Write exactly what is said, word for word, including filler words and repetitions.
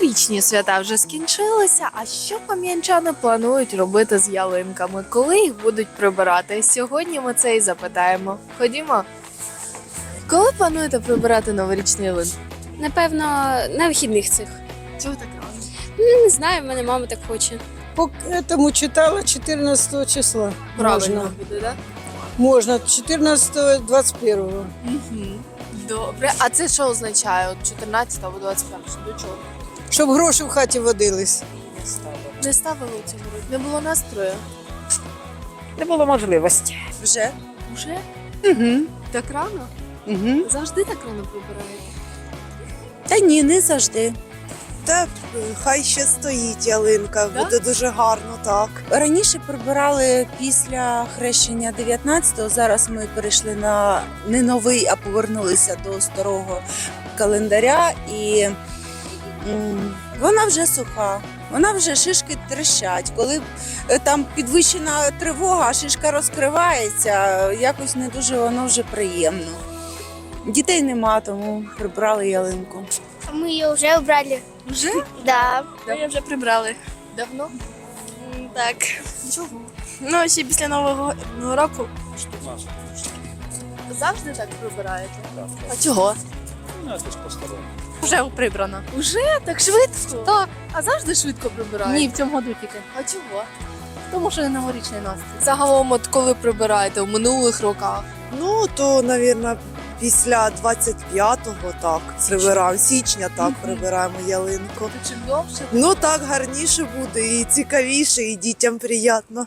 Новорічні свята вже скінчилися. А що кам'янчани планують робити з ялинками? Коли їх будуть прибирати? Сьогодні ми це і запитаємо. Ходімо. Коли плануєте прибирати новорічні ялинки? Напевно, на вихідних цих. Чого так рано? Ну, не знаю, в мене мама так хоче. По этому читала четырнадцатого числа. Правильно Можно. буде, так? Можно. четырнадцатого двадцать первого. Угу. Добре. А це що означає? От чотирнадцятого або двадцять першого? До чого? Щоб гроші в хаті водились. Не ставили у цьому році? Не було настрою? Не було можливості. Вже? Уже? Угу. Так рано? Угу. Завжди так рано прибираєте? Та ні, не завжди. Та хай ще стоїть ялинка, Да? буде дуже гарно, так. Раніше прибирали після хрещення дев'ятнадцятого, зараз ми перейшли на не новий, а повернулися до старого календаря. І м, вона вже суха, вона вже шишки трещать. Коли е, там підвищена тривога, а шишка розкривається, якось не дуже воно вже приємно. Дітей нема, тому прибрали ялинку. Мы ее уже убрали. Вже? Да. Ми вже прибрали. Давно? Так. Чого? Ну, ще після Нового року. Завжди так прибираєте? А чого? Вже прибрано. Уже? Так швидко? Так. А завжди швидко прибираєте? Ні, в цьому году тільки. А чого? Тому що не новорічний настрій. Загалом, от коли прибираєте в минулих роках? Ну, то, мабуть, після двадцять п'ятого так прибираємо, січня так прибираємо ялинку. То чим довше? Ну так гарніше буде, і цікавіше, і дітям приємно.